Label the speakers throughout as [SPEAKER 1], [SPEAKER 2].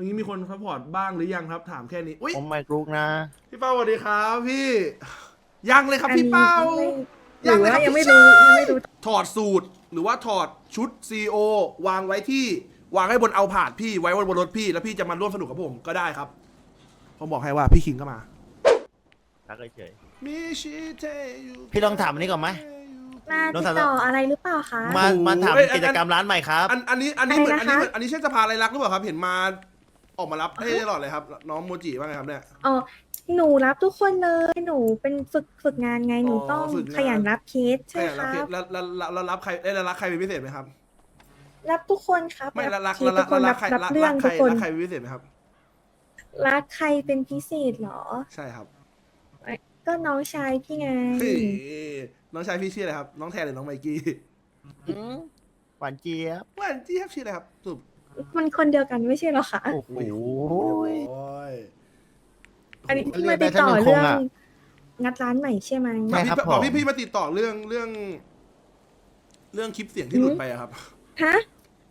[SPEAKER 1] อย่างนี้มีคนซัพพอร์ตบ้างหรือยังครับถามแค่นี้อุ้ย
[SPEAKER 2] ผมไม่กรุกนะ
[SPEAKER 1] พี่เป้าสวัสดีครับพี่ยังเลยครับ
[SPEAKER 3] อัน
[SPEAKER 1] พี่
[SPEAKER 3] นี้
[SPEAKER 1] เป้า
[SPEAKER 3] หรือ
[SPEAKER 1] เลย
[SPEAKER 3] ว่า
[SPEAKER 1] ครับ
[SPEAKER 3] ยังไม่
[SPEAKER 1] พี่
[SPEAKER 3] รู้
[SPEAKER 1] ชาย
[SPEAKER 3] ยังไม่รู้
[SPEAKER 1] ถอดสูตรหรือว่าถอดชุดซีโอวางไว้ที่วางให้บนเอาผาดพี่ไว้บนรถพี่แล้วพี่จะมาร่วมสนุกกับผมก็ได้ครับผมบอกให้ว่าพี่คิงก็มา
[SPEAKER 2] ทักเฉย
[SPEAKER 1] มิชิเทยุ
[SPEAKER 2] พี่ลองถามอันนี้ก่อนไหม
[SPEAKER 3] มา
[SPEAKER 2] น้อง
[SPEAKER 3] ติด
[SPEAKER 2] สาว
[SPEAKER 3] ต่ออะไรหรือเปล่าคะ
[SPEAKER 2] มาถามกิจกรรมร้านใหม่ครับ
[SPEAKER 1] อันนี้เหมือน
[SPEAKER 3] อะไรนะคะ
[SPEAKER 1] อันนี้ใช่สภาอะไรรักหรือเปล่าครับเห็นมาออกมารับให้ตลอดเลยครับน้องโมจิว่าไงครับเนี่ย
[SPEAKER 3] อ๋อหนูรับทุกคนเลยหนูเป็นฝึกงานไงหนูต้อง
[SPEAKER 1] ฝึกงาน
[SPEAKER 3] ขยันรับเคสใช่
[SPEAKER 1] แล้
[SPEAKER 3] คว รับ
[SPEAKER 1] แล้วรับใครแล้วรักใครเป็นพิเศษไหมครับ
[SPEAKER 3] รับทุกคนครับ
[SPEAKER 1] ไม่แล้วรัก
[SPEAKER 3] เคสทุกคนรับ
[SPEAKER 1] ใคร
[SPEAKER 3] รับเรื่อง
[SPEAKER 1] ใค
[SPEAKER 3] ทุ
[SPEAKER 1] ร
[SPEAKER 3] กคน
[SPEAKER 1] รักใครเป็นพิเศษไหมครับ
[SPEAKER 3] รักใครเป็นพิเศษเหรอ
[SPEAKER 1] ใช่ครับ
[SPEAKER 3] ก็น้องชายพี่ไง
[SPEAKER 1] เฮ้ยน้องชายพี่ชื่ออะไรครับ น้องแทนหรือน้องไมกี้
[SPEAKER 2] หวานเจี๊ยบ
[SPEAKER 1] หว่านจี้ครับชื่ออะไรครับสุบ
[SPEAKER 3] มันคนเดียวกันไม่ใช่เหรอคะ
[SPEAKER 2] โอ้โห
[SPEAKER 1] โอ้ย
[SPEAKER 3] อันนี้
[SPEAKER 2] เรี
[SPEAKER 3] พี่
[SPEAKER 2] ย
[SPEAKER 3] มาก
[SPEAKER 2] ได้
[SPEAKER 3] ติดต่อ
[SPEAKER 2] ท่านหนึ่ง
[SPEAKER 3] เรื่อง
[SPEAKER 2] คงอะ
[SPEAKER 3] งัดร้านใหม่ใช่ไหม
[SPEAKER 2] ใช่ครับ
[SPEAKER 1] บอก
[SPEAKER 2] ผม
[SPEAKER 1] พี่มาติดต่อเรื่องคลิปเสียงที่หลุดไปอะครับ
[SPEAKER 3] ฮะ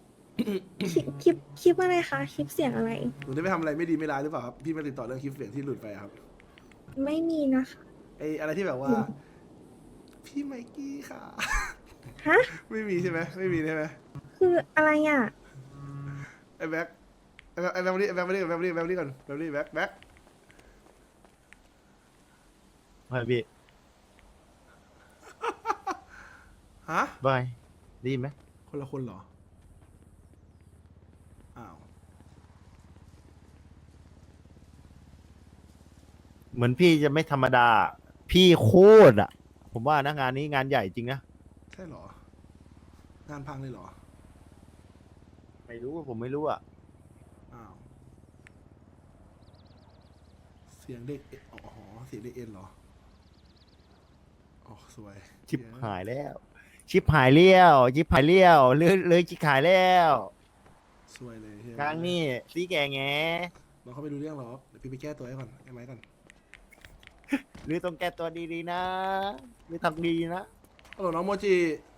[SPEAKER 3] คลิปอะไรคะคลิปเสียงอะไร
[SPEAKER 1] หนูได้ไปทำอะไรไม่ดีไม่ร้ายหรือเปล่าครับ พี่มาติดต่อเรื่องคลิปเสียงที่หลุดไปอะครับ
[SPEAKER 3] ไม่มีนะคะ
[SPEAKER 1] ไออะไรที่แบบว่า พี่ไมกี้ค่ะ
[SPEAKER 3] ฮะ
[SPEAKER 1] ไม่มีใช่ไหมไม่มีใช่ไหม
[SPEAKER 3] คืออะไรอ่ะ
[SPEAKER 1] ไอแบ็คไอแบ็คมาดิก่อนแบ็คมาดิก่อนแบ็ค
[SPEAKER 2] ไปพี่
[SPEAKER 1] ฮะ
[SPEAKER 2] บายได้ยินไหม
[SPEAKER 1] คนละคนเหรอ อ้าว
[SPEAKER 2] เหมือนพี่จะไม่ธรรมดา พี่โคตรอ่ะ ผมว่านะงานนี้งานใหญ่จริงนะ
[SPEAKER 1] ใช่เหรอ งานพังเลยเหรอ
[SPEAKER 2] ไม่รู้ผมไม่รู้อ่ะ
[SPEAKER 1] อ้าว เสียงเด็กอ๋อเสียงเด็กเอ็นเหรออ๋อสวย
[SPEAKER 2] ชิบหายแล้ว ชิบหายเลี้ยวชิบหายเลี้ยวเลยชิบหายแล้ว
[SPEAKER 1] สวยเลยเฮ้ย
[SPEAKER 2] ครั้งนี้ซีแกแง
[SPEAKER 1] น้องเขาไม่รู้เรื่องหรอกเดี๋ยวพี่ไปแก้ตัวให้ก่อนไอ้ไม้ก่อน
[SPEAKER 2] หรือต้องแก้ตัวดีๆนะหรือทำดีนะ
[SPEAKER 1] ฮัลโหลน้องโมจิ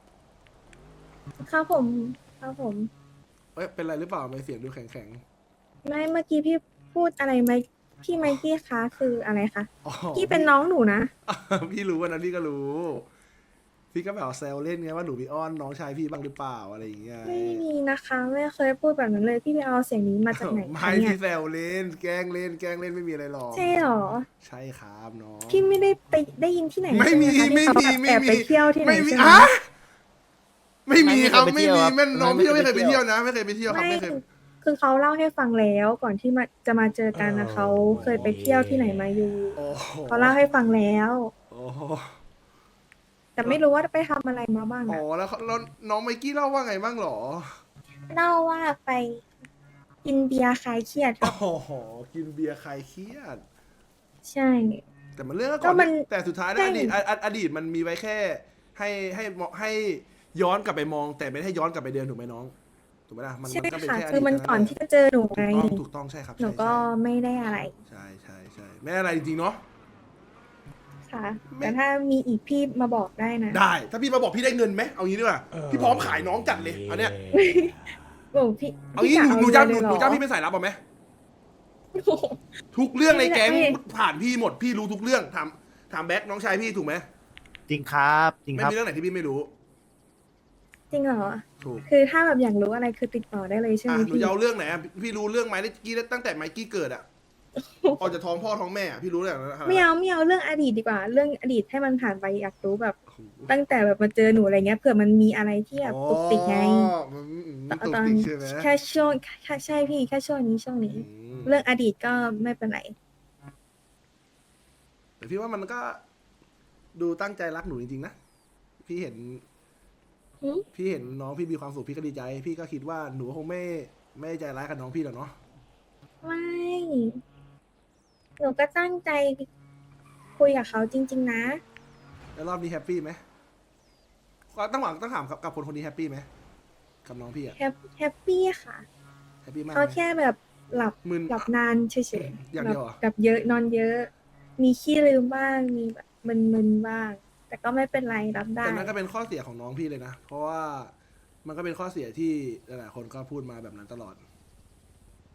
[SPEAKER 3] ครับผมครับผม
[SPEAKER 1] เอ้ยเป็นไรหรือเปล่าไม่เสียงดูแข็ง
[SPEAKER 3] ไม่เมื่อกี้พี่พูดอะไรไหมพี่ไมกี้คะคืออะไรคะ
[SPEAKER 1] ๆอ๋อ
[SPEAKER 3] พี่เป็นน้องหนูนะ
[SPEAKER 1] พี่รู้วันนั้นพี่ก็รู้ พี่ก็แบบแซวเล่นไงว่าหนูมีอ้อนน้องชายพี่บ้างหรือเปล่าอะไรอย่างเงี้ย
[SPEAKER 3] ไม่มีนะคะไม่เคยพูดแบบนั้นเลยพี่ไปเอาเสียงนี้มาจากไหน
[SPEAKER 1] ไม่
[SPEAKER 3] คะเนี่ย
[SPEAKER 1] พี่แซวเล่น แกล้งเล่นไม่มีอะไรหรอก
[SPEAKER 3] ใช่เหรอ
[SPEAKER 1] ใช่ครับน้อง
[SPEAKER 3] พี่ไม่ได้ไปได้ยินที่ไหน
[SPEAKER 1] ไม่มี
[SPEAKER 3] ใช่ห
[SPEAKER 1] ไม่
[SPEAKER 3] คะ
[SPEAKER 1] มี
[SPEAKER 3] ที่เขาแบบแอบไปเที่ยวที่ไหน
[SPEAKER 1] ไม่มี
[SPEAKER 3] ใช่ไหม
[SPEAKER 1] อะไม่มีครับ
[SPEAKER 2] ไม่
[SPEAKER 1] ไม่
[SPEAKER 2] เคยไปเที่ยว
[SPEAKER 1] มี
[SPEAKER 2] ครับ
[SPEAKER 1] แม่น้องพี่ก็ไม่เคยไป
[SPEAKER 2] ไม่เคยไปเที่
[SPEAKER 1] เที่ย
[SPEAKER 2] ยว ว
[SPEAKER 1] นะไม่เคยไปเที่ยวครับ
[SPEAKER 3] ไม่
[SPEAKER 1] ไม่เคย
[SPEAKER 3] คือเขาเล่าให้ฟังแล้วก่อนที่จะมาเจอกันนะเขาเคยไปเที่ยวที่ไหนมาอยู่
[SPEAKER 1] โอ้โห
[SPEAKER 3] เขาเล่าให้ฟังแล้ว
[SPEAKER 1] โอ้โห
[SPEAKER 3] แต่ไม่รู้ว่าไปทำอะไรมาบ้าง
[SPEAKER 1] อ๋อ
[SPEAKER 3] อะ
[SPEAKER 1] แล้วน้องไมกี้เล่าว่าไงบ้างหรอ
[SPEAKER 3] เล่าว่าไปกินเบียร์คลายเครียดค
[SPEAKER 1] โอ้
[SPEAKER 3] รับ
[SPEAKER 1] โหกินเบียร์คลายเครียด
[SPEAKER 3] ใช่
[SPEAKER 1] แต่มันเรื่อง
[SPEAKER 3] ก็
[SPEAKER 1] ก่อน
[SPEAKER 3] มัน
[SPEAKER 1] แต่สุดท้าย
[SPEAKER 3] ใช่
[SPEAKER 1] นะอดีตมันมีไว้แค่ ให้ย้อนกลับไปมอง แต่ไม่ได้ย้อนกลับไปเดินถูกไหมน้องถูกไหมล่ะมัน
[SPEAKER 3] ใช่
[SPEAKER 1] ก็เป็น
[SPEAKER 3] ค่ะ
[SPEAKER 1] แค่อ
[SPEAKER 3] คือ
[SPEAKER 1] ดีต
[SPEAKER 3] มันก่อนที่จะเจอหนูไง
[SPEAKER 1] ถูกต้องใช่ครับ
[SPEAKER 3] หนูก็ไม่ได้อะไร
[SPEAKER 1] ใช่ไม่อะไรจริงๆเนาะ
[SPEAKER 3] ค่ะ
[SPEAKER 1] ไม่
[SPEAKER 3] แต่ถ้ามีอีกพี่มาบอกได้นะ
[SPEAKER 1] ได้ ถ้าพี่มาบอกพี่ได้เงินไหมเอางี้ดีกว่าพี่พร้อมขายน้องจัดเลยเอาเนี่ย
[SPEAKER 3] โอ้พี่
[SPEAKER 1] เอางี้
[SPEAKER 3] พี่
[SPEAKER 1] หนู
[SPEAKER 3] จะ
[SPEAKER 1] จ้าง
[SPEAKER 3] เเลย
[SPEAKER 1] ห
[SPEAKER 3] เร
[SPEAKER 1] นู
[SPEAKER 3] อ
[SPEAKER 1] จ้างพี่เป็นสายลับเอาไหม
[SPEAKER 3] โอ้โห
[SPEAKER 1] ทุกเรื่องในแก๊ง
[SPEAKER 3] ไม่
[SPEAKER 1] ผ่านพี่หมดพี่รู้ทุกเรื่องถามแบ็คน้องชายพี่ถูกไหม
[SPEAKER 2] จริงครับจริง
[SPEAKER 1] ไม่
[SPEAKER 2] ครับ
[SPEAKER 1] มีเรื่องไหนที่พี่ไม่รู้
[SPEAKER 3] จริงเหรอ
[SPEAKER 1] ถูก
[SPEAKER 3] คือถ้าแบบอยากรู้อะไรคือติดต่อได้เลยใช่ไหม
[SPEAKER 1] หนู
[SPEAKER 3] พี่
[SPEAKER 1] จะเอาเรื่องไหนอะพี่รู้เรื่องไมกี้ตั้งแต่ไมกี้เกิดอะออกจากท้องพ่อท้องแม่อะพี่รู้เรื่องนั้นนะครับ
[SPEAKER 3] ไม่เอาเรื่องอดีตดีกว่า เรื่องอดีตให้มันผ่านไปอยากรู้แบบ
[SPEAKER 1] โอ้โห
[SPEAKER 3] ตั้งแต่แบบมาเจอหนูอะไรเงี้ยเผื่อมันมีอะไรที่แบบตุกติกไง
[SPEAKER 1] อ๋อมันตุก
[SPEAKER 3] ตอน
[SPEAKER 1] ติกใช่ไหม
[SPEAKER 3] แค่ช่วงใช่พี่แค่ช่วงนี้
[SPEAKER 1] อืม
[SPEAKER 3] เรื่องอดีตก็ไม่เป็นไร
[SPEAKER 1] แต่พี่ว่ามันก็ดูตั้งใจรักหนูจริงๆนะพี่เห็น
[SPEAKER 3] หืม
[SPEAKER 1] พี่เห็นน้องพี่มีความสุขพี่ก็ดีใจ พี่ก็คิดว่าหนูคงไม่ใจร้ายกับน้องพี่หรอกเนาะ
[SPEAKER 3] ไม่หนูก็ตั้งใจคุยกับเขาจริง ๆ นะ
[SPEAKER 1] แล้วรอบนี้แฮปปี้ไหมก็ต้องถามกับคนนี้แฮปปี้ไหมกับน้องพี่อะ
[SPEAKER 3] แฮปปี้ค่ะ
[SPEAKER 1] แฮปปี้มาก
[SPEAKER 3] เขา
[SPEAKER 1] ไหม
[SPEAKER 3] แค่แบบหลับ
[SPEAKER 1] มึน
[SPEAKER 3] นานเฉย
[SPEAKER 1] อย่าง
[SPEAKER 3] ๆ
[SPEAKER 1] เดียวเหรอ
[SPEAKER 3] แบบเยอะนอนเยอะ มีขี้ลืมบ้างมีแบบมึนๆบ้าง แต่ก็ไม่เป็นไรรับได้
[SPEAKER 1] แต่นั่นก็เป็นข้อเสียของน้องพี่เลยนะ เพราะว่ามันก็เป็นข้อเสียที่หลายๆคนก็พูดมาแบบนั้นตลอด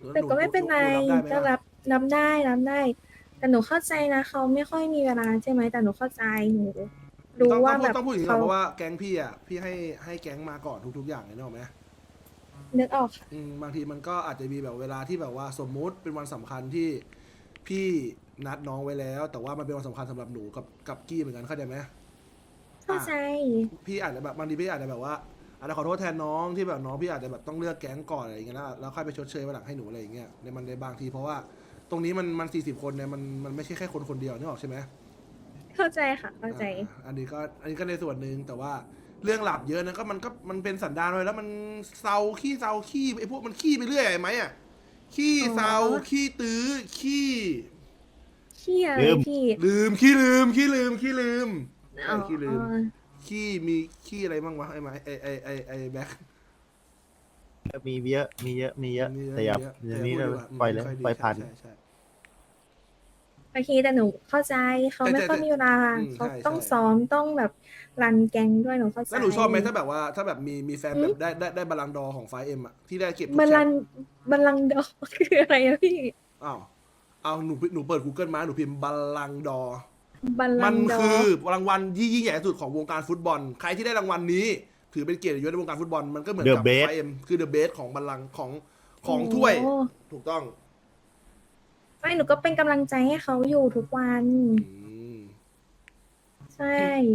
[SPEAKER 3] แต่ก็ไม่เป็นไร
[SPEAKER 1] หนูรับได้ไหม
[SPEAKER 3] ก็
[SPEAKER 1] ล่ะ
[SPEAKER 3] รับได้ แต่หนูเข้าใจนะเขาไม่ค่อยมีเวลาใช่ไหมแต่หนูเข้าใจหนูรู้
[SPEAKER 1] ต้อง
[SPEAKER 3] ว่าแบบ
[SPEAKER 1] ต้องพูดอย่างนี้ก่อ
[SPEAKER 3] เขา
[SPEAKER 1] นเพราะว่าแก๊งพี่อ่ะพี่ให้แก๊งมาก่อนทุกๆอย่างเลยนึกออกไหม
[SPEAKER 3] นึกออกค่ะ
[SPEAKER 1] บางทีมันก็อาจจะมีแบบเวลาที่แบบว่าสมมุติเป็นวันสำคัญที่พี่นัดน้องไว้แล้ว แต่ว่ามันเป็นวันสำคัญสำหรับหนูกับกี้เหมือนกันเข้าใจไหม
[SPEAKER 3] เข้าใจ
[SPEAKER 1] พี่อาจจะแบบบางทีพี่อาจจะแบบว่าอาจจะขอโทษแทนน้องที่แบบน้องพี่อาจจะแบบต้องเลือกแก๊งก่อนอะไรอย่างเงี้ยแล้วค่อยไปชดเชยวันหลังให้หนูอะไรอย่างเงี้ยในบางทีเพราะว่าตรงนี้มัน40 คนเนี่ยมันไม่ใช่แค่คนเดียวนึกออกใช่ไหม
[SPEAKER 3] เข้าใจค่ะ เข้าใจ
[SPEAKER 1] อันนี้ก็ในส่วนหนึ่งแต่ว่าเรื่องหลับเยอะนะมันเป็นสันดานเลยแล้วมันเซาขี้ไอ้พวกมันขี้ไปเรื่อยไอ้ไหมอ่ะขี้เซา
[SPEAKER 3] อ๋อ
[SPEAKER 1] ขี้ตื้อขี้
[SPEAKER 3] เชี่ยเล
[SPEAKER 2] ลื
[SPEAKER 3] ย
[SPEAKER 2] ม
[SPEAKER 3] พี่
[SPEAKER 1] ขี้ลืมขี้ลืม
[SPEAKER 3] อ๋อ
[SPEAKER 1] ขี้ลืมขี้มีขี้อะไรบ้างวะไอ้ไหมไอ้แบ็ค
[SPEAKER 2] มีเยอะแต่อย่าอย่างนี้เลย
[SPEAKER 1] พูดดีกว่า
[SPEAKER 2] ปล่อยเลย
[SPEAKER 1] ไม่ค่ดี
[SPEAKER 2] ปล่อยผ่าน
[SPEAKER 1] ใช่
[SPEAKER 3] โอเคแต่หนูเข้าใจเขาไม่ค่อยมีเวลา
[SPEAKER 1] อืม
[SPEAKER 3] เขา
[SPEAKER 1] ใช่
[SPEAKER 3] ต้อง
[SPEAKER 1] ใช่
[SPEAKER 3] ซ้อมต้องแบบรันแกงด้วยหนูเข้าใจ
[SPEAKER 1] แล้วหนูชอบไหมถ้าแบบว่าถ้าแบบมีแฟนแบบได้บัลลังก์ดอร์ของไฟเอ็มอะที่ได้เก็บทุก
[SPEAKER 3] บัล
[SPEAKER 1] แช
[SPEAKER 3] ลั
[SPEAKER 1] ม
[SPEAKER 3] ง
[SPEAKER 1] ป์
[SPEAKER 3] ก์บัลลังก์ดอก คืออะไรอะพี่
[SPEAKER 1] เอาหนูเปิด Google มาหนูพิมพ์บัลลังก์ดอร์
[SPEAKER 3] บัลลั
[SPEAKER 1] มั
[SPEAKER 3] ง
[SPEAKER 1] น
[SPEAKER 3] ก์ดอ
[SPEAKER 1] คือรางวัลที่ยิ่งใหญ่ที่สุดของวงการฟุตบอล ใครที่ได้รางวัลนี้ ถือเป็นเกียรติยศในวงการฟุตบอล มันก็เหมือน
[SPEAKER 2] The
[SPEAKER 1] กับ
[SPEAKER 2] best
[SPEAKER 1] ไฟเอ็มคือเดอะเบสของบัลลังก์ของถ้วย
[SPEAKER 3] โอ้
[SPEAKER 1] ถูกต้อง
[SPEAKER 3] ไม่หนูก็เป็นกำลังใจให้เขาอยู่ทุกวัน
[SPEAKER 1] อืม
[SPEAKER 3] ใช่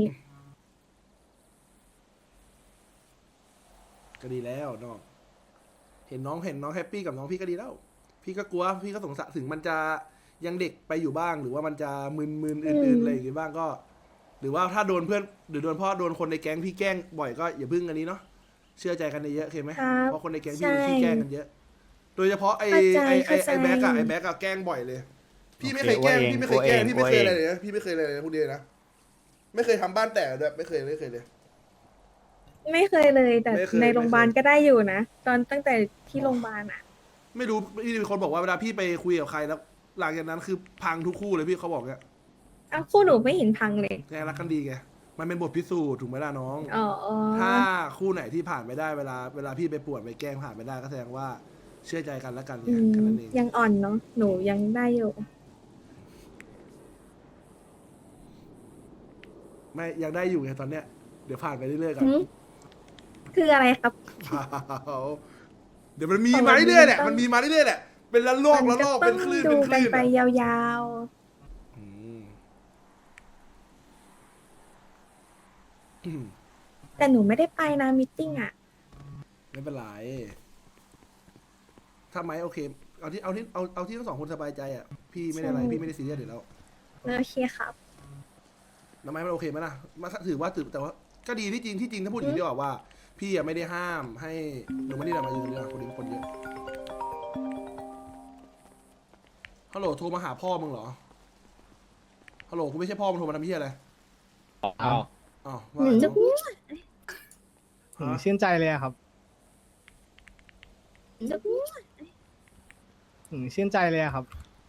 [SPEAKER 1] ก็ดีแล้วน้องเห็นน้องแฮปปี้กับน้องพี่ก็ดีแล้ว พี่ก็กลัวพี่ก็สงสัยถึงมันจะยังเด็กไปอยู่บ้าง หรือว่ามันจะมึนอื่นๆอะไรอย่างงี้บ้างก็ หรือว่าถ้าโดนเพื่อนหรือโดนพ่อโดนคนในแก๊งพี่แกล้งบ่อยก็อย่าพึ่งอันนี้เนาะเชื่อใจกันเยอะๆโอเคไหม
[SPEAKER 3] ครับ
[SPEAKER 1] เพราะคนในแก๊งพี่
[SPEAKER 3] ใช่
[SPEAKER 1] ขี้แกล้งกันเยอะ โดยเฉพาะไอ้
[SPEAKER 3] เข้าใจ
[SPEAKER 1] แบ็กอะแกล้งบ่อยเลย พี่ไม่เคยแกล้ง
[SPEAKER 2] โอเค
[SPEAKER 1] พี่ไม่เคยแกล้ง
[SPEAKER 2] โอเค
[SPEAKER 1] พี่ไม่เคยอะไรเลยนะพี่ไม่เคยอะไรเลยพูดดีนะไม่เคยทำบ้านแตกด้วยไม่เคยเลย
[SPEAKER 3] ไม่เคยเลยแต่
[SPEAKER 1] ไม่เคย
[SPEAKER 3] ในโรงพยาบาล
[SPEAKER 1] ไม่เคย
[SPEAKER 3] ก็ได้อยู่นะตอนตั้งแต่ที่โรงพยาบาลอ่ะ
[SPEAKER 1] ไม่รู้พี่มีคนบอกว่าเวลาพี่ไปคุยกับใครแล้ว หลังจากนั้นคือพังทุกคู่เลยพี่เขาบอกเนี่ย
[SPEAKER 3] อ้าวคู่หนูไม่เห็นพังเลย
[SPEAKER 1] แกรักกันดีไงมันเป็นบทพิสูจน์ถูกไหมล่ะน้อง
[SPEAKER 3] อ๋อ
[SPEAKER 1] ถ้าคู่ไหนที่ผ่านไม่ได้เวลาพี่ไปป่วนไปแกล้งผ่านไม่ได้ก็แสดงว่าเชื่อใจกันแล้วกันไง
[SPEAKER 3] อืม
[SPEAKER 1] แค่นั้นเอง
[SPEAKER 3] ยังอ่อนเนาะหนูยังได้อยู่
[SPEAKER 1] ไม่ยังได้อยู่ไงตอนเนี้ยเดี๋ยวผ่านไปเรื่อยๆกัน
[SPEAKER 3] หืมคืออะไรครับ
[SPEAKER 1] เดี๋ยวมันมีมาเรื่อยๆแหละมันมีมาเรื่อยๆแหละเป็นละลอก
[SPEAKER 3] มั
[SPEAKER 1] ละลอก
[SPEAKER 3] ต้
[SPEAKER 1] เป็
[SPEAKER 3] อน ง
[SPEAKER 1] คลื่น
[SPEAKER 3] ดู
[SPEAKER 1] เป็นค
[SPEAKER 3] กัน
[SPEAKER 1] ลื่น
[SPEAKER 3] ไป
[SPEAKER 1] อะ
[SPEAKER 3] ยาว
[SPEAKER 1] อืม
[SPEAKER 3] ๆ แต่หนูไม่ได้ไปนะมิทติ้งอ่ะ
[SPEAKER 1] ไม่เป็นไรถ้าไหมโอเคเอาที่ทั้งสองคนสบายใจอ่ะพี่ไม่ได้อะไร
[SPEAKER 3] ใช่
[SPEAKER 1] พี่ไม่ได้ซีเรียสอยู่แล้ว
[SPEAKER 3] โอเคครับ
[SPEAKER 1] ทำไมมันโอเคไหมล่ะมาถือว่าแต่ว่าก็ดีที่จริงถ้าพูดอย่างนี้ดีกว่าว่า พี่อะไม่ได้ห้ามให้หนูมานี่แหละมายืนนี่แหละคนนี้คนเยอะฮัลโหลโทรมาหาพ่อมึงเหรอฮัลโหลกูไม่ใช่พ่อมึงโทรมาทำเพี้ยอะไร
[SPEAKER 4] อ้าว
[SPEAKER 1] อ้าวว่า
[SPEAKER 3] หนู
[SPEAKER 1] ไง
[SPEAKER 3] จะพูด
[SPEAKER 4] ผมชื่นใจเลยอะครับ
[SPEAKER 3] จะพูด
[SPEAKER 4] ผมชื่นใจเลยอะครับ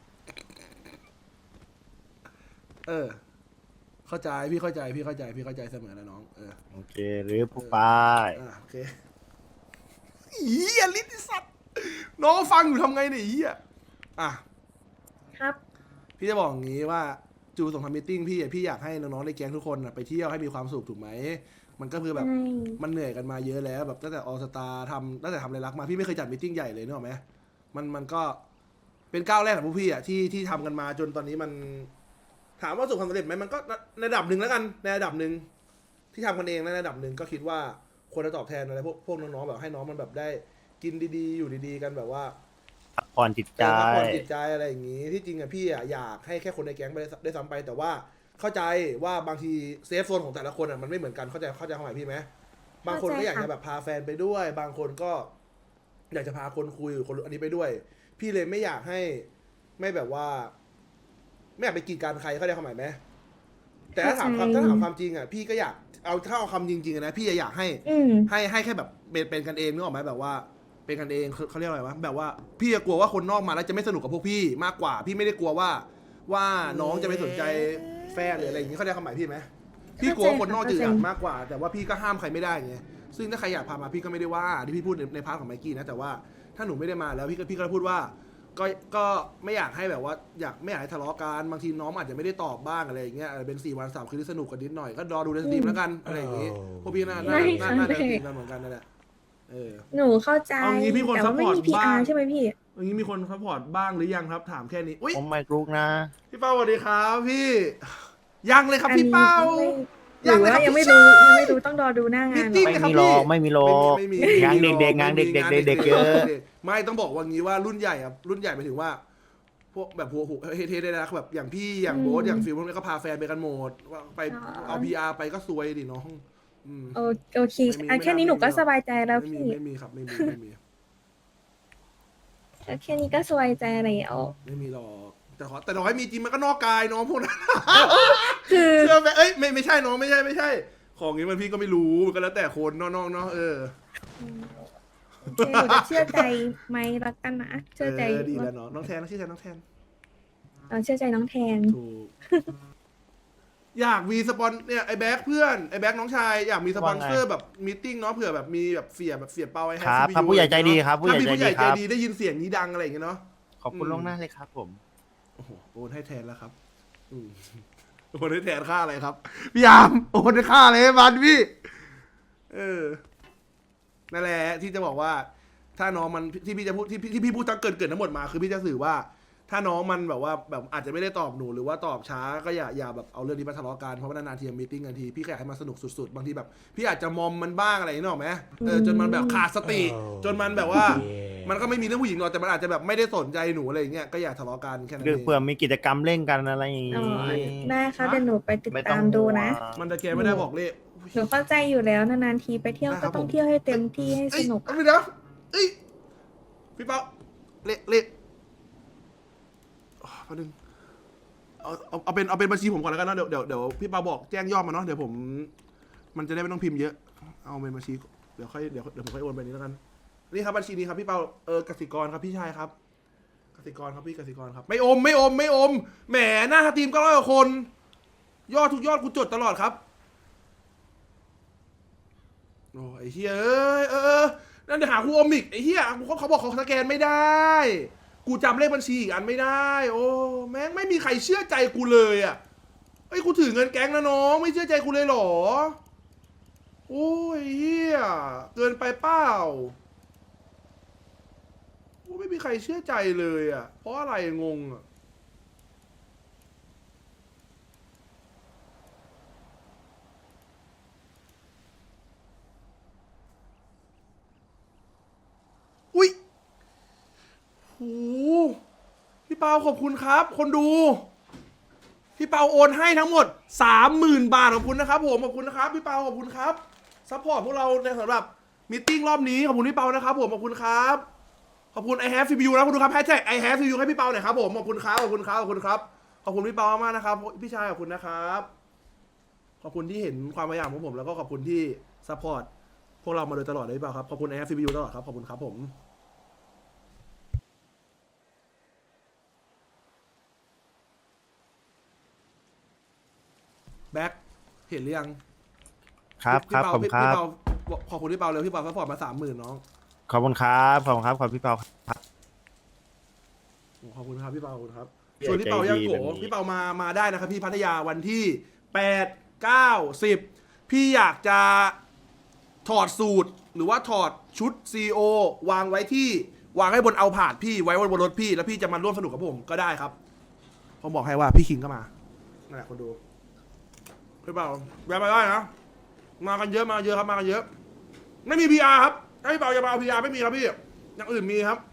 [SPEAKER 1] เออ เข้าใจพี่เข้าใจเสมอแล้วน้อง
[SPEAKER 2] โอเคหรือผู้ปาย
[SPEAKER 1] โอเคอีอลิติสัตว์น้องฟังอยู่ทำไงเนี่ยอีอ่ะ
[SPEAKER 3] ครับ
[SPEAKER 1] พี่จะบอกอย่างนี้ว่าจูส่งทำมิทติ้งพี่อยากให้น้องๆในแก๊งทุกคนไปเที่ยวให้มีความสุขถูกไหมมันก็คือแบบ
[SPEAKER 3] ใช่
[SPEAKER 1] มันเหนื่อยกันมาเยอะแล้วแบบตั้งแต่ออสตาตั้งแต่ทำอะไรรักมาพี่ไม่เคยจัดมิทติ้งใหญ่เลยนึกออกไหมมันก็เป็นก้าวแรกของพวกพี่อ่ะที่ทำกันมาจนตอนนี้มัน ถามว่าประสบความสำเร็จไหมมันก็ในระดับหนึ่งแล้วกันในระดับหนึ่งที่ทำกันเองในระดับหนึ่งก็คิดว่าควรจะตอบแทนอะไรพวกน้องๆแบบให้น้องมันแบบได้กินดีๆอยู่ดีๆกันแบบว่า
[SPEAKER 2] พักผ่อนจิตใจ
[SPEAKER 1] พักผ่อนจิตใจอะไรอย่างนี้ที่จริงอะพี่อะอยากให้แค่คนในแก๊งไปได้ซ้ำไป แต่ว่าเข้าใจว่าบางทีเซฟโซนของแต่ละคนอะมันไม่เหมือนกันเข้าใจความหมายพี่ไหมบางคนก็อยากจะแบบพาแฟนไปด้วย บางคนก็อยากจะพาคนคุยหรือคนอันนี้ไปด้วย พี่เลยไม่อยากให้ไม่แบบว่า ไม่อยากไปกีดกันใครเข้าใจความหมายไหมแต่ถ้าถามความจริงอะพี่ก็อยากถ้าเอาคำจริงๆอะนะพี่อยากให้
[SPEAKER 3] อืม
[SPEAKER 1] ให้แค่แบบเป็นกันเองนึกออกไหมแบบว่าเป็นกันเองเขาเรียกอะไรวะแบบว่าพี่กลัวว่าคนนอกมาแล้วจะไม่สนุกกับพวกพี่มากกว่า พี่ไม่ได้กลัวว่าน้องจะไม่สนใจแฟนหรืออะไรอย่างนี้เขาได้คำหมายพี่ไหมพี่กลัวว่าคนนอกจะอยากมากกว่า แต่ว่าพี่ก็ห้ามใครไม่ได้ไงซึ่งถ้าใครอยากพามาพี่ก็ไม่ได้ว่าที่พี่พูดในพาร์ทของไมกี้นะแต่ว่าถ้าหนูไม่ได้มาแล้วพี่ก็พูดว่า ก็ไม่อยากให้แบบว่าไม่อยากให้ทะเลาะกันบางทีน้องอาจจะไม่ได้ตอบบ้างอะไรอย่างเงี้ยเป็น4 วัน3 คืนที่สนุกกันนิดหน่อยก็รอดูในสตรีมแล้วกันอะไรอย่างงี้พวกพี่น่าจะสตรีมกันเหมือนกันนั่นแหละ
[SPEAKER 3] หนูเข้าใจ
[SPEAKER 1] เอางี้พี่คน
[SPEAKER 3] แต่ว่าไม่
[SPEAKER 1] support
[SPEAKER 3] มี PR
[SPEAKER 1] บ้าง
[SPEAKER 3] ใช่ไหมพี่
[SPEAKER 1] อย่างนี้มีคนซัพพอร์ตบ้างหรือยังครับถามแค่นี้อุ้ย
[SPEAKER 2] ผมไม่รู้นะ
[SPEAKER 1] พี่เป้าสวัสดีครับพี่ยังเลยครับ
[SPEAKER 3] อันนี้
[SPEAKER 1] พี่เป้า
[SPEAKER 3] หรือว่า
[SPEAKER 1] ยัง
[SPEAKER 3] ยัง
[SPEAKER 1] ไม่
[SPEAKER 3] ไม่
[SPEAKER 1] รู้
[SPEAKER 3] รู้ยังไม่รู้ต้องรอดูหน้างาน
[SPEAKER 1] จริง
[SPEAKER 3] เหรอ
[SPEAKER 2] ไม่มีหรอกไม่มีหรอก
[SPEAKER 1] ไม่มี
[SPEAKER 2] งานเด็กๆงานเด็กๆ
[SPEAKER 1] ไม่มี
[SPEAKER 2] เด็กๆเยอะ
[SPEAKER 1] ไม่ต้องบอกว่างี้ว่ารุ่นใหญ่อะรุ่นใหญ่หมายถึงว่า พวกแบบหัวเฮได้นะแบบอย่างพี่อย่างโบ๊ทอย่างฟิลพวกนี้ก็พาแฟนไปกันหมดว่าไปเอา PR ไปก็ซวยดิน้อง
[SPEAKER 3] โอเค
[SPEAKER 1] ไม่มี
[SPEAKER 3] อันแค่นี้หนูก็สบายใจแล้ว
[SPEAKER 1] ไม่มี
[SPEAKER 3] พี่
[SPEAKER 1] ไม่มีครับไม่มี
[SPEAKER 3] แค่นี้ก็สบายใจแล้ว
[SPEAKER 1] ไม่มีหรอกแต่น้อยมีจริงมันก็นอกกายน้องพวกนั้น
[SPEAKER 3] คือ
[SPEAKER 1] เชื่อไหมเอ้ยไม่ใช่น้องไม่ใช่ ของนี้มันพี่ก็ไม่รู้มันก็แล้วแต่คนน้องๆเนาะ
[SPEAKER 3] โอเคหนูจะเชื่อใจไหมรักกันนะเชื่อใจ
[SPEAKER 1] ดีแล้วเนาะน้องแทนชื่อแทนน้องแทน
[SPEAKER 3] เชื่อใจน้องแทน
[SPEAKER 1] ถูก อยากมีสปอนเนี่ยไอ้แบ็คเพื่อนไอ้แบ็คน้องชายอยากมีสปอนเซอร์แบบมีติ้งเนาะเผื่อแบบมีแบบเสียเปาไอ้แฮ
[SPEAKER 2] ครับ
[SPEAKER 1] ซี
[SPEAKER 2] ครับผู้ใหญ่ใจดีครับผู้ใหญ่
[SPEAKER 1] ถ้ามีผู้ใหญ่
[SPEAKER 2] ใจ
[SPEAKER 1] ใจ
[SPEAKER 2] ดีครับ
[SPEAKER 1] ดีได้ยินเสียงนี้ดังอะไรอย่างเงี้ยเนาะ
[SPEAKER 2] ขอบคุณล่วงหน้าเลยครับผม
[SPEAKER 1] โอ้โหโอนให้แทนแล้วครับโอนให้แทนค่าอะไรครับพี่ยามโอนให้ค่าอะไรให้มันพี่นั่นแหละที่จะบอกว่า ถ้าน้องมันที่พี่จะพูดที่พี่พูดทั้งเกินทั้งหมดมาคือพี่จะสื่อว่า ถ้าน้องมันแบบว่าแบบอาจจะไม่ได้ตอบหนูหรือว่าตอบช้าก็อย่าแบบเอาเรื่องนี้มาทะเลาะกันเพราะว่านานๆทีมีติ้งกันทีพี่ก็อยากให้มันสนุกสุดๆบางทีแบบพี่อาจจะมอมมันบ้างอะไรอย่างนี้หรอกไหมจนมันแบบขาดสติจนมันแบบว่า มันก็ไม่มีเรื่องผู้หญิงหรอกแต่มันอาจจะแบบไม่ได้สนใจหนูอะไรอย่างเงี้ยก็อย่าทะเลาะกันแค่นั้น
[SPEAKER 2] คือ
[SPEAKER 1] เอง
[SPEAKER 2] เผื่อมีกิจกรรมเล่นกันอะไรอย่าง
[SPEAKER 3] อ๋อ
[SPEAKER 2] งี้
[SPEAKER 3] ได้ค่ะเดี๋ยวหนูไปติด
[SPEAKER 2] ไม่
[SPEAKER 3] ตามดูนะ
[SPEAKER 1] มันจะแกไม่ได้บอกเลข
[SPEAKER 3] หนูเข้าใจอยู่แล้วนานๆทีไปเที่ยว
[SPEAKER 1] ได้ครั
[SPEAKER 3] ก็
[SPEAKER 1] บ
[SPEAKER 3] ต้อง
[SPEAKER 1] ผม
[SPEAKER 3] เที่ยวให้เต็มที่ให้สนุก
[SPEAKER 1] เอาไปนะเอ้ยพี่เป้าเลขแป๊บนึงเอาเป็นบัญชีผมก่อนแล้วกันนะเดี๋ยวพี่เปาบอกแจ้งยอดมาเนาะเดี๋ยวผมมันจะได้ไม่ต้องพิมพ์เยอะเอาเป็นบัญชีเดี๋ยวผมค่อยโอนไปนี้แล้วกันนี่ครับบัญชีนี้ครับพี่เปากสิกรครับพี่ชายครับกสิกรครับพี่กสิกรครับไม่อมแหมหน้าทีมก็100 กว่าคนยอดทุกยอดกูจดตลอดครับโอ้ไอ้เฮียนั่นเดี๋ยวหากูอมอีกไอ้เฮียเขาบอกเขาสแกนไม่ได้กูจำเลขบัญชีอีกอันไม่ได้ โอ้แม่งไม่มีใครเชื่อใจกูเลยอ่ะเฮ้ยกูถือเงินแก๊งนะน้องไม่เชื่อใจกูเลยเหรอโอ้ยเฮียเกินไปเปล่าโอ้ไม่มีใครเชื่อใจเลยอ่ะเพราะอะไรงงอ่ะอุ้ยโอ้พี่เปาขอบคุณครับ คนดู พี่เปาโอนให้ทั้งหมด 30,000 บาทขอบคุณนะครับผมขอบคุณนะครับพี่เปาขอบคุณครับซัพพอร์ตพวกเราในสำหรับมีตติ้งรอบนี้ขอบคุณพี่เปานะครับผมขอบคุณครับขอบคุณ I have CPU นะคุณดูครับแฮชแท็ก I have CPU ให้พี่เปาหน่อยครับผมขอบคุณครับขอบคุณครับขอบคุณครับขอบคุณพี่เปามากนะครับพี่ชายขอบคุณนะครับขอบคุณที่เห็นความพยายามของผมแล้วก็ขอบคุณที่ซัพพอร์ตพวกเรามาโดยตลอดเลยพี่เปาครับขอบคุณ I have CPU ตลอดครับขอบคุณครับผมแบ็คเห็นหรือยัง
[SPEAKER 2] ครับครับขอบคุณครับ
[SPEAKER 1] พี่เปาขอบคุณพี่เปาเลยพี่เปาซัพพอร์ตมา30,000น้อง
[SPEAKER 2] ขอบคุณครับขอบคุณครับขอบพี่เปาครับ
[SPEAKER 1] ขอบคุณครับพี่เปาขอบคุณครับ
[SPEAKER 2] พี่
[SPEAKER 1] ส่วนพี่เปา
[SPEAKER 2] ใจดี
[SPEAKER 1] ยังโก
[SPEAKER 2] แบบนี้
[SPEAKER 1] พี่เปามาได้นะครับพี่พัทยาวันที่8 9 10พี่อยากจะถอดสูตรหรือว่าถอดชุด CEO วางให้บนเอาผาดพี่ไว้บนรถพี่แล้วพี่จะมาร่วมสนุกกับผมก็ได้ครับผมบอกให้ว่าพี่คิงก็มานั่นแหละคนดูพี่เปาแวะไปได้นะมากันเยอะครับมากันเยอะไม่มี PR ครับถ้าพี่เปาจะมาเอา PR ไม่มีครับพี่อย่างอื่นมีครับ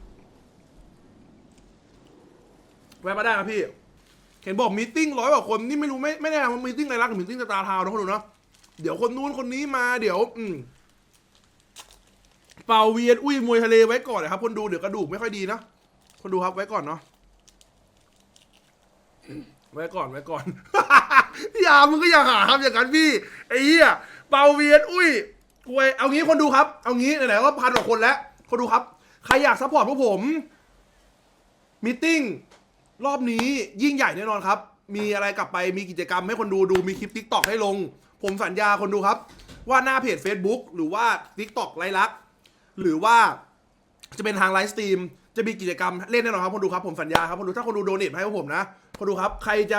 [SPEAKER 1] แวะมาได้ครับพี่เห็นบอกมีติ้ง100 กว่าคนนี่ไม่รู้ไม่แน่ว่ามีติ้งอะไรรักหรือมีติ้งสตาร์ทาวน์นะคนดูเนาะเดี๋ยวคนนู้นคนนี้มาเดี๋ยวเป่าเวียนอุ้ยมวยทะเลไว้ก่อนนะครับคนดูเดี๋ยวกระดูกไม่ค่อยดีนะคนดูครับไว้ก่อนเนาะไว้ก่อน พี่ยามึงก็อย่าหาครับอย่างนั้นพี่ไอ้เหี้ยเป่าเวียนอุ้ยกวยเอางี้คนดูครับเอางี้ไหนๆก็1,000 กว่าคนแล้วคนดูครับใครอยากซัพพอร์ตพวกผมมีติ้งรอบนี้ยิ่งใหญ่แน่นอนครับมีอะไรกลับไปมีกิจกรรมให้คนดูมีคลิป TikTok ให้ลงผมสัญญาคนดูครับว่าหน้าเพจ Facebook หรือว่า TikTok ไลฟ์ลักษณ์หรือว่าจะเป็นทางไลฟ์สตรีมจะมีกิจกรรมเล่นแน่นอนครับคนดูครับผมสัญญาครับคนดูถ้าคนดูโดเนทให้พวกผมนะคนดูครับใครจะ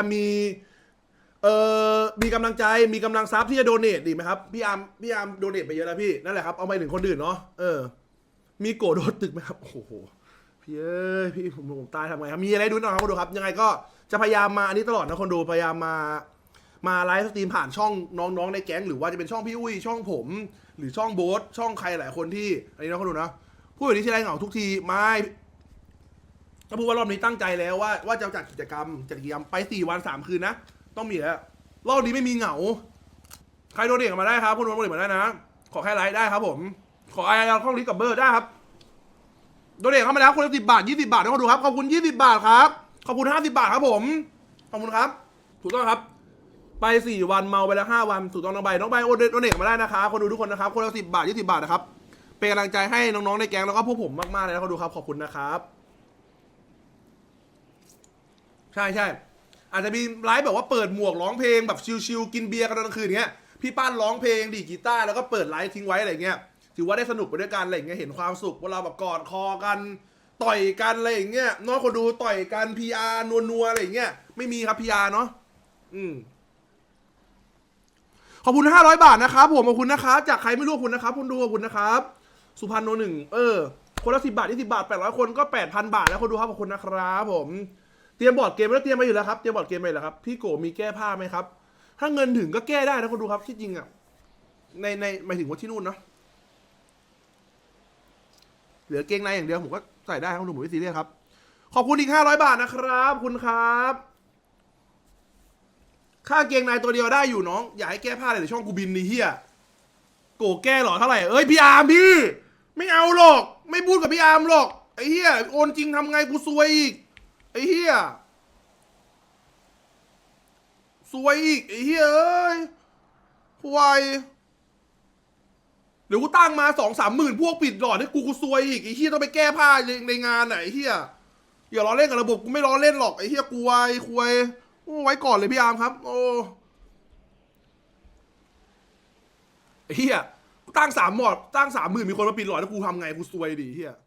[SPEAKER 1] มีกำลังใจมีกำลังทรัพย์ที่จะโดเนทดีไหมครับพี่อาร์มโดเนทไปเยอะแล้วพี่นั่นแหละครับเอาไปถึงคนอื่นเนาะมีโกรธโดนตึกไหมครับโอ้โหพี่เอ้ยพี่ผมตายทำไงครับมีอะไรดูหน่อยครับคนดูครับยังไงก็จะพยายามมาอันนี้ตลอดนะคนดูพยายามมาไลฟ์สตรีมผ่านช่องน้องๆในแก๊งหรือว่าจะเป็นช่องพี่อุ้ยช่องผมหรือช่องโบ๊ทช่องใครหลายคนที่อันนี้นะคนดูนะพูดแบบนี้ที่ไรเหงาทุกทีไม่ถ้าพูดว่ารอบนี้ตั้งใจแล้วว่าจะจัดกิจกรรมไป4 วัน 3 คืนนะต้องมีแล้วรอบนี้ไม่มีเหงาใครโดนเด็กมาได้ครับคนโดนเด็กมาได้นะขอแค่ไลฟ์ได้ครับผมขอไอเอาข้องลิฟต์กับเบอร์ได้ครับโดนเด็กเข้ามาแล้วคนละ10 บาท20 บาทนะคนดูครับขอบคุณ20 บาทครับขอบคุณ50 บาทครับผมขอบคุณครับถูกต้องครับไป4 วันเมาไปแล้ว5 วันถูกต้องน้องใบโอนโดนเด็กมาได้นะครับคนดูทุกคนนะครับคนละ10 บาท20 บาทนะครับเป็นกำลังใจให้น้องๆในแก๊งแล้วก็พวกผมมากๆเลยนะคนดูครับขอบคุณนะครับใช่อาจจะมีไลฟ์แบบว่าเปิดหมวกร้องเพลงแบบชิลๆกินเบียร์กันตอนกลางคืนเงี้ยพี่ป้านร้องเพลงดีดกีตาร์แล้วก็เปิดไลฟ์ทิ้งไว้อะไรเงี้ยถือว่าได้สนุกไปด้วยกันอะไรเงี้ยเห็นความสุขว่าเราแบบกอดคอกันต่อยกันอะไรอย่างเงี้ยน้องคนดูต่อยกัน PR นัวอะไรอย่างเงี้ยไม่มีครับ PR เนาะขอบคุณ500 บาทนะครับผมขอบคุณนะครับจากใครไม่รู้ขอบคุณนะครับคุณดูขอบคุณนะครับสุพรรณโนหนึ่งคนละ10 บาท20 บาท800 คนก็ 8,000 บาทแล้วคนดูครับขอบคุณนะครับผมเตรียมบอร์ดเกมแล้วเตรียมมาอยู่แล้วครับเตรียมบอร์ดเกมไปแล้วครับพี่โกมีแก้ผ้าไหมครับถ้าเงินถึงก็แก้ได้นะคนดูครับที่จริงอ่ะในหมายถึงว่าที่นู่นเนาะเหลือเกงในอย่างเดียวผมก็ใส่ได้ครับคุณดูผมไม่ซีเรียสครับขอบคุณอีก500 บาทนะครับคุณครับค่าเกงในตัวเดียวได้อยู่น้องอย่าให้แก้ผ้าเลยเดี๋ยวช่องกูบินนี่เฮียโกแก้หรอเท่าไหร่พี่อาร์มพี่ไม่เอาหรอกไม่พูดกับพี่อาร์มหรอกไอ้เฮียโอนจริงทำไงกูซวยอีกไอ้เฮียซวยอีกไอ้เฮียเอ้ยควายเดี๋ยวกูตั้งมา2-3 หมื่นพวกปิดหลอดให้กูซวยอีกไอ้เฮียต้องไปแก้ผ้าในงานไหนไอ้เฮียอย่าล้อเล่นกับระบบกูไม่ล้อเล่นหรอกไอ้เฮียกูควายไว้ก่อนเลยพี่อาร์มครับโอ้ไอ้เฮียตั้ง3 หมอดตั้ง30,000มีคนมาปิดหลอดแล้วกูทำไงกูซวยดิเฮีย